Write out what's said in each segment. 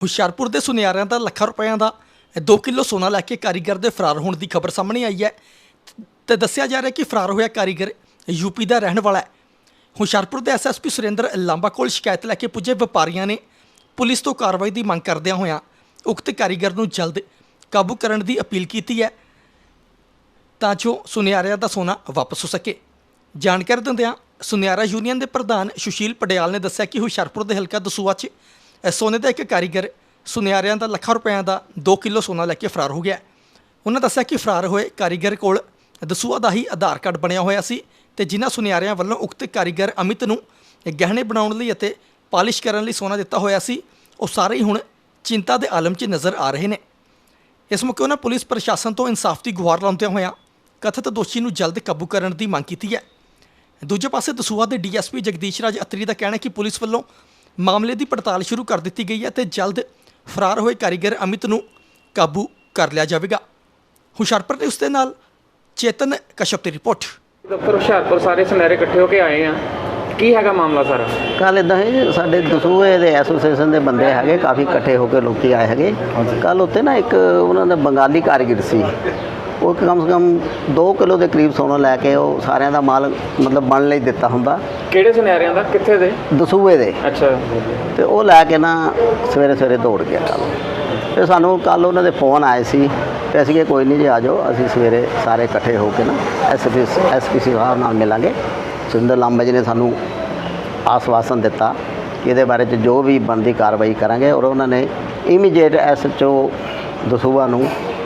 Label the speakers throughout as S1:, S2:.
S1: ਹੁਸ਼ਿਆਰਪੁਰ ਦੇ ਸੁਨਿਆਰਿਆਂ ਦਾ ਲੱਖਾਂ ਰੁਪਇਆਂ ਦਾ 2 ਕਿਲੋ ਸੋਨਾ ਲੈ ਕੇ ਕਾਰੀਗਰ ਦੇ ਫਰਾਰ ਹੋਣ ਦੀ ਖਬਰ ਸਾਹਮਣੇ ਆਈ ਹੈ ਤੇ ਦੱਸਿਆ ਜਾ ਰਿਹਾ ਕਿ ਫਰਾਰ ਹੋਇਆ ਕਾਰੀਗਰ ਯੂਪੀ ਦਾ ਰਹਿਣ ਵਾਲਾ ਹੈ। ਹੁਸ਼ਿਆਰਪੁਰ ਦੇ ਐਸਐਸਪੀ ਸੁਰਿੰਦਰ ਲਾਂਬਾ ਕੋਲ ਸ਼ਿਕਾਇਤ ਲੈ ਕੇ ਪੁੱਜੇ ਵਪਾਰੀਆਂ ਨੇ ਪੁਲਿਸ ਤੋਂ ਕਾਰਵਾਈ ਦੀ ਮੰਗ ਕਰਦਿਆਂ ਹੋਇਆਂ ਉਕਤ ਕਾਰੀਗਰ ਨੂੰ ਜਲਦ ਕਾਬੂ ਕਰਨ ਦੀ ਅਪੀਲ ਕੀਤੀ ਹੈ ਤਾਂ ਜੋ ਸੁਨਿਆਰਿਆਂ ਦਾ ਸੋਨਾ ਵਾਪਸ ਹੋ ਸਕੇ। ਜਾਣਕਾਰੀ ਦਿੰਦਿਆਂ ਸੁਨਿਆਰਾ ਯੂਨੀਅਨ ਦੇ ਪ੍ਰਧਾਨ ਸੁਸ਼ੀਲ ਪਟਿਆਲ ਨੇ ਦੱਸਿਆ ਕਿ ਹੁਸ਼ਿਆਰਪੁਰ ਦੇ ਹਲਕਾ ਦਸੂਹਾ 'ਚ ਸੋਨੇ ਦਾ ਇੱਕ ਕਾਰੀਗਰ ਸੁਨਿਆਰਿਆਂ ਦਾ ਲੱਖਾਂ ਰੁਪਇਆਂ ਦਾ 2 ਕਿਲੋ ਸੋਨਾ ਲੈ ਕੇ ਫਰਾਰ ਹੋ ਗਿਆ। ਉਹਨਾਂ ਦੱਸਿਆ ਕਿ ਫਰਾਰ ਹੋਏ ਕਾਰੀਗਰ ਕੋਲ ਦਸੂਹਾ ਦਾ ਹੀ ਆਧਾਰ ਕਾਰਡ ਬਣਿਆ ਹੋਇਆ ਸੀ ਤੇ ਜਿਨ੍ਹਾਂ ਸੁਨਿਆਰਿਆਂ ਵੱਲੋਂ ਉਕਤ ਕਾਰੀਗਰ ਅਮਿਤ ਨੂੰ ਗਹਿਣੇ ਬਣਾਉਣ ਲਈ ਅਤੇ ਪਾਲਿਸ਼ ਕਰਨ ਲਈ ਸੋਨਾ ਦਿੱਤਾ ਹੋਇਆ ਸੀ, ਉਹ ਸਾਰੇ ਹੀ ਹੁਣ ਚਿੰਤਾ ਦੇ ਆਲਮ 'ਚ ਨਜ਼ਰ ਆ ਰਹੇ ਨੇ। ਇਸ ਮੌਕੇ ਉਹਨਾਂ ਪੁਲਿਸ ਪ੍ਰਸ਼ਾਸਨ ਤੋਂ ਇਨਸਾਫ ਦੀ ਗੁਹਾਰ ਲਾਉਂਦਿਆਂ ਹੋਇਆਂ ਕਥਿਤ ਦੋਸ਼ੀ ਨੂੰ ਜਲਦ ਕਾਬੂ ਕਰਨ ਦੀ ਮੰਗ ਕੀਤੀ ਹੈ। ਦੂਜੇ ਪਾਸੇ ਦਸੂਹਾ ਦੇ ਡੀਐਸਪੀ ਜਗਦੀਸ਼ ਰਾਜ ਅਤਰੀ ਦਾ ਕਹਿਣਾ ਹੈ ਕਿ ਪੁਲਿਸ ਵੱਲੋਂ ਮਾਮਲੇ ਦੀ ਪੜਤਾਲ ਸ਼ੁਰੂ ਕਰ ਦਿੱਤੀ ਗਈ ਹੈ ਤੇ ਜਲਦ ਫਰਾਰ ਹੋਏ ਕਾਰੀਗਰ ਅਮਿਤ ਨੂੰ ਕਾਬੂ ਕਰ ਲਿਆ ਜਾਵੇਗਾ। ਹੁਸ਼ਿਆਰਪੁਰ ਦੇ ਉਸ ਦੇ ਨਾਲ ਚੇਤਨ ਕਸ਼ਪ ਦੀ ਰਿਪੋਰਟ।
S2: ਦਫ਼ਤਰ ਹੁਸ਼ਿਆਰਪੁਰ ਸਾਰੇ ਸੁਨਹਿਰੇ ਇਕੱਠੇ ਹੋ ਕੇ ਆਏ ਆ, ਕੀ ਹੈਗਾ ਮਾਮਲਾ ਸਾਰਾ?
S3: ਕੱਲ੍ਹ ਇੱਦਾਂ ਹੈ, ਸਾਡੇ ਦਸੂਹੇ ਦੇ ਐਸੋਸੀਏਸ਼ਨ ਦੇ ਬੰਦੇ ਹੈਗੇ, ਕਾਫੀ ਇਕੱਠੇ ਹੋ ਕੇ ਲੋਕੀ ਆਏ ਹੈਗੇ। ਕੱਲ੍ਹ ਉੱਤੇ ਨਾ ਇੱਕ ਉਹਨਾਂ ਦਾ ਬੰਗਾਲੀ ਕਾਰੀਗਰ ਸੀ, ਉਹ ਕਮ ਸੇ ਕਮ 2 ਕਿਲੋ ਦੇ ਕਰੀਬ ਸੋਨਾ ਲੈ ਕੇ ਉਹ ਸਾਰਿਆਂ ਦਾ ਮਾਲ ਮਤਲਬ ਬਣ ਲਈ ਦਿੱਤਾ ਹੁੰਦਾ।
S2: ਕਿਹੜੇ ਸੁਨਹਿਰਿਆਂ ਦਾ, ਕਿੱਥੇ ਦੇ?
S3: ਦਸੂਹੇ ਦੇ।
S2: ਅੱਛਾ।
S3: ਤੇ ਉਹ ਲੈ ਕੇ ਨਾ ਸਵੇਰੇ ਦੌੜ ਗਿਆ ਕੱਲ੍ਹ। ਤੇ ਸਾਨੂੰ ਕੱਲ੍ਹ ਉਹਨਾਂ ਦੇ ਫੋਨ ਆਏ ਸੀ ਤੇ ਅਸੀਂ ਕਿ ਕੋਈ ਨਹੀਂ ਜੀ ਆ ਜਾਓ, ਅਸੀਂ ਸਵੇਰੇ ਸਾਰੇ ਇਕੱਠੇ ਹੋ ਕੇ ਨਾ ਐਸਪੀ ਸਾਹਿਬ ਨਾਲ ਮਿਲਾਂਗੇ। ਸੁਰਿੰਦਰ ਲਾਂਬਾ ਜੀ ਨੇ ਸਾਨੂੰ ਆਸਵਾਸਨ ਦਿੱਤਾ ਕਿ ਇਹਦੇ ਬਾਰੇ 'ਚ ਜੋ ਵੀ ਬਣਦੀ ਕਾਰਵਾਈ ਕਰਾਂਗੇ, ਔਰ ਉਹਨਾਂ ਨੇ ਇਮੀਡੀਏਟ ਐਸਐਚਓ ਦਸੂਹਾ ਨੂੰ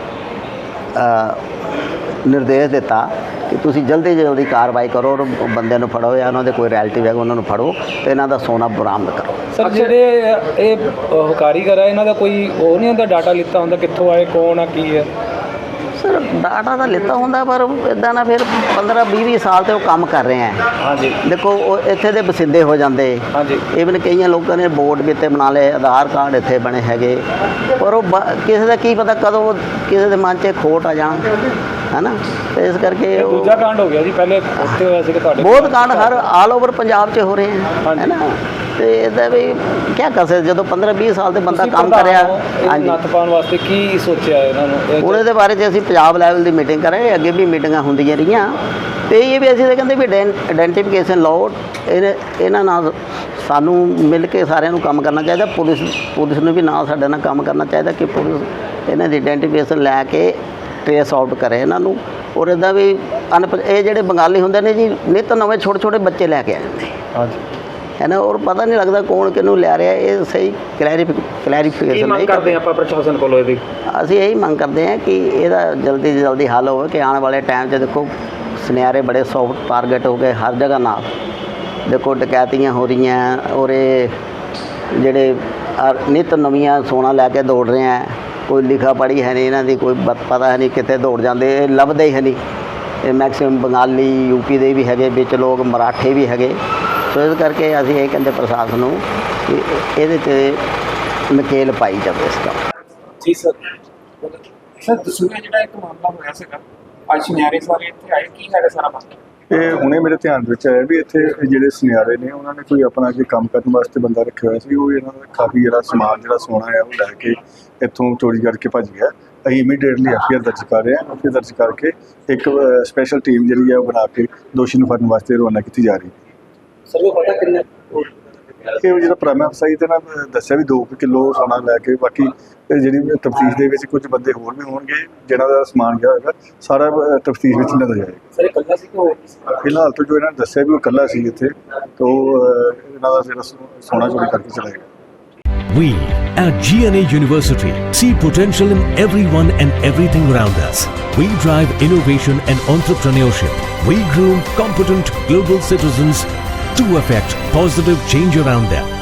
S3: ਨਿਰਦੇਸ਼ ਦਿੱਤਾ ਕਿ ਤੁਸੀਂ ਜਲਦੀ ਕਾਰਵਾਈ ਕਰੋ ਔਰ ਬੰਦਿਆਂ ਨੂੰ ਫੜੋ ਜਾਂ ਉਹਨਾਂ ਦੇ ਕੋਈ ਰਿਲੇਟਿਵ ਹੈਗਾ ਉਹਨਾਂ ਨੂੰ ਫੜੋ ਤੇ ਇਹਨਾਂ ਦਾ ਸੋਨਾ ਬਰਾਮਦ ਕਰੋ।
S4: ਸਰ ਜਿਹੜੇ ਇਹ ਕਾਰੀਗਰ ਹੈ ਇਹਨਾਂ ਦਾ ਕੋਈ ਉਹ ਨਹੀਂ ਹੁੰਦਾ, ਡਾਟਾ ਲਿੱਤਾ ਹੁੰਦਾ ਕਿੱਥੋਂ ਆਏ, ਕੌਣ ਆ, ਕੀ ਹੈ?
S3: ਸਰ ਡਾਟਾ ਤਾਂ ਲਿੱਤਾ ਹੁੰਦਾ, ਪਰ ਇੱਦਾਂ ਨਾ ਫਿਰ 15-20 ਸਾਲ ਤੋਂ ਉਹ ਕੰਮ ਕਰ ਰਹੇ ਹੈ।
S4: ਹਾਂਜੀ।
S3: ਦੇਖੋ ਉਹ ਇੱਥੇ ਦੇ ਵਸਿੰਦੇ ਹੋ ਜਾਂਦੇ। ਹਾਂਜੀ। ਇਵਨ ਕਈਆਂ ਲੋਕਾਂ ਨੇ ਬੋਰਡ ਵੀ ਇੱਥੇ ਬਣਾ ਲਏ, ਆਧਾਰ ਕਾਰਡ ਇੱਥੇ ਬਣੇ ਹੈਗੇ, ਪਰ ਉਹ ਕਿਸੇ ਦਾ ਕੀ ਪਤਾ ਕਦੋਂ ਕਿਸੇ ਦੇ ਮਨ 'ਚ ਖੋਟ ਆ ਜਾਣ, ਹੈ ਨਾ। ਤੇ ਇਸ ਕਰਕੇ
S4: ਦੂਜਾ ਕਾਂਡ ਹੋ ਗਿਆ ਜੀ, ਪਹਿਲੇ ਉੱਥੇ ਹੋਇਆ ਸੀ ਤੁਹਾਡੇ
S3: ਬਹੁਤ ਕਾਂਡ ਹਰ ਆਲ ਓਵਰ ਪੰਜਾਬ 'ਚ ਹੋ ਰਹੇ ਹੈ ਨਾ। ਤੇ ਇਹਦਾ ਵੀ ਕੀ ਕਰ ਸਕਦੇ, ਜਦੋਂ 15-20 ਸਾਲ ਦੇ ਬੰਦਾ ਕੰਮ ਕਰਿਆ। ਹਾਂਜੀ।
S4: ਨੱਥ ਪਾਉਣ ਵਾਸਤੇ ਕੀ ਸੋਚਿਆ ਇਹਨਾਂ ਨੂੰ?
S3: ਹੁਣ ਇਹਦੇ ਬਾਰੇ 'ਚ ਅਸੀਂ ਪੰਜਾਬ ਲੈਵਲ ਦੀ ਮੀਟਿੰਗ ਕਰਾਂਗੇ, ਅੱਗੇ ਵੀ ਮੀਟਿੰਗਾਂ ਹੁੰਦੀਆਂ ਰਹੀਆਂ ਤੇ ਇਹ ਵੀ ਅਸੀਂ ਤਾਂ ਕਹਿੰਦੇ ਵੀ ਆਇਡੈਂਟੀਫਿਕੇਸ਼ਨ ਲਾਓ, ਇਹਨਾਂ ਨਾਲ ਸਾਨੂੰ ਮਿਲ ਕੇ ਸਾਰਿਆਂ ਨੂੰ ਕੰਮ ਕਰਨਾ ਚਾਹੀਦਾ। ਪੁਲਿਸ ਨੂੰ ਵੀ ਨਾਲ ਸਾਡੇ ਨਾਲ ਕੰਮ ਕਰਨਾ ਚਾਹੀਦਾ ਕਿ ਪੁਲਿਸ ਇਹਨਾਂ ਦੀ ਆਇਡੈਂਟੀਫਿਕੇਸ਼ਨ ਲੈ ਕੇ ਟ੍ਰੇਸ ਆਊਟ ਕਰੇ ਇਹਨਾਂ ਨੂੰ। ਔਰ ਇੱਦਾਂ ਵੀ ਇਹ ਜਿਹੜੇ ਬੰਗਾਲੀ ਹੁੰਦੇ ਨੇ ਜੀ, ਨਿੱਤ ਨਵੇਂ ਛੋਟੇ ਬੱਚੇ ਲੈ ਕੇ ਆ ਜਾਂਦੇ। ਹਾਂਜੀ। ਹੈ ਨਾ, ਔਰ ਪਤਾ ਨਹੀਂ ਲੱਗਦਾ ਕੌਣ ਕਿਹਨੂੰ ਲੈ ਰਿਹਾ। ਇਹ ਸਹੀ ਕਲੈਰੀਫਿਕੇਸ਼ਨ ਨਹੀਂ
S2: ਕਰਦੇ ਆਪਾਂ ਪ੍ਰਸ਼ਾਸਨ ਕੋਲੋਂ ਇਹਦੀ।
S3: ਅਸੀਂ ਇਹੀ ਮੰਗ ਕਰਦੇ ਹਾਂ ਕਿ ਇਹਦਾ ਜਲਦੀ ਤੋਂ ਜਲਦੀ ਹੱਲ ਹੋਵੇ ਕਿ ਆਉਣ ਵਾਲੇ ਟਾਈਮ 'ਚ ਦੇਖੋ ਸੁਨਿਆਰੇ ਬੜੇ ਸੌਫਟ ਟਾਰਗੇਟ ਹੋ ਗਏ ਹਰ ਜਗ੍ਹਾ ਨਾਲ। ਦੇਖੋ ਡਕੈਤੀਆਂ ਹੋ ਰਹੀਆਂ ਔਰ ਇਹ ਜਿਹੜੇ ਨਿੱਤ ਨਵੀਆਂ ਸੋਨਾ ਲੈ ਕੇ ਦੌੜ ਰਹੇ ਹੈ, ਕੋਈ ਲਿਖਾ ਪੜ੍ਹੀ ਹੈ ਨਹੀਂ ਇਹਨਾਂ ਦੀ, ਕੋਈ ਪਤਾ ਹੈ ਨਹੀਂ ਕਿੱਥੇ ਦੌੜ ਜਾਂਦੇ, ਇਹ ਲੱਭਦੇ ਹੀ ਨਹੀਂ। ਇਹ ਮੈਕਸੀਮਮ ਬੰਗਾਲੀ ਯੂਪੀ ਦੇ ਵੀ ਹੈਗੇ, ਵਿੱਚ ਲੋਕ ਮਰਾਠੇ ਵੀ ਹੈਗੇ। ਸੋ ਇਸ ਕਰਕੇ ਅਸੀਂ ਇਹ ਕਹਿੰਦੇ ਪ੍ਰਸ਼ਾਸਨ ਨੂੰ ਕਿ ਇਹਦੇ 'ਤੇ ਨਕੇਲ ਪਾਈ ਜਾਵੇ ਇਸ ਦਾ।
S2: ਜੀ ਸਰ। ਸਰ ਦਸੂਹੇ ਜਿਹੜਾ ਇੱਕ ਮਾਮਲਾ ਹੋਇਆ ਸੀਗਾ, ਅੱਜ ਸੁਨਿਆਰੇ ਸਾਰੇ ਇੱਥੇ ਆਏ, ਕੀ ਹੈਗਾ ਸਾਰਾ ਮਾਮਲਾ?
S5: ਇਹ ਹੁਣੇ ਮੇਰੇ ਧਿਆਨ ਵਿੱਚ ਆਇਆ ਵੀ ਇੱਥੇ ਜਿਹੜੇ ਸੁਨਿਆਰੇ ਨੇ ਉਹਨਾਂ ਨੇ ਕੋਈ ਆਪਣਾ ਅੱਗੇ ਕੰਮ ਕਰਨ ਵਾਸਤੇ ਬੰਦਾ ਰੱਖਿਆ ਹੋਇਆ ਸੀ। ਉਹ ਇਹਨਾਂ ਦਾ ਕਾਫੀ ਜਿਹੜਾ ਸਮਾਨ ਜਿਹੜਾ ਸੋਨਾ ਹੈ ਉਹ ਲੈ ਕੇ ਇੱਥੋਂ ਚੋਰੀ ਕਰਕੇ ਭੱਜ ਗਿਆ। ਅਸੀਂ ਇਮੀਡੀਏਟਲੀ ਐਫਆਈਆਰ ਦਰਜ ਕਰ ਰਹੇ ਹਾਂ। ਐਫਆਈਆਰ ਦਰਜ ਕਰਕੇ ਇੱਕ ਸਪੈਸ਼ਲ ਟੀਮ ਜਿਹੜੀ ਹੈ ਉਹ ਬਣਾ ਕੇ ਦੋਸ਼ੀ ਨੂੰ ਫੜਨ ਵਾਸਤੇ ਰਵਾਨਾ ਕੀਤੀ ਜਾ ਰਹੀ ਹੈ।
S4: ਸਰ ਉਹ ਪਤਾ ਕਿੰਨਾ
S5: ਇਹ ਜਿਹੜਾ ਪ੍ਰਾਇਮਰੀ ਅਫਸਰ ਤੇ ਨਾ ਦੱਸਿਆ ਵੀ 2 ਕਿਲੋ ਸੋਨਾ ਲੈ ਕੇ, ਬਾਕੀ ਜਿਹੜੀ ਤਫਤੀਸ਼ ਦੇ ਵਿੱਚ ਕੁਝ ਬੰਦੇ ਹੋਰ ਵੀ ਹੋਣਗੇ ਜਿਹਨਾਂ ਦਾ ਸਮਾਨ ਗਿਆ ਹੋਏਗਾ, ਸਾਰਾ ਤਫਤੀਸ਼ ਵਿੱਚ ਨਜ਼ਰ ਜਾਏਗਾ।
S4: ਸਰ ਇਕੱਲਾ ਸੀ ਕਿ ਹੋਰ?
S5: ਫਿਲਹਾਲ ਤਾਂ ਜੋ ਇਹਨਾਂ ਨੇ ਦੱਸਿਆ ਵੀ ਉਹ ਇਕੱਲਾ ਸੀ ਇੱਥੇ, ਤਾਂ ਇਹਨਾਂ ਦਾ ਜਿਹੜਾ ਸੋਨਾ ਚੋਰੀ ਕਰਕੇ ਚਲਾ ਗਿਆ।
S6: We at GNA University see potential in everyone and everything around us. We drive innovation and entrepreneurship. We groom competent global citizens to affect positive change around them.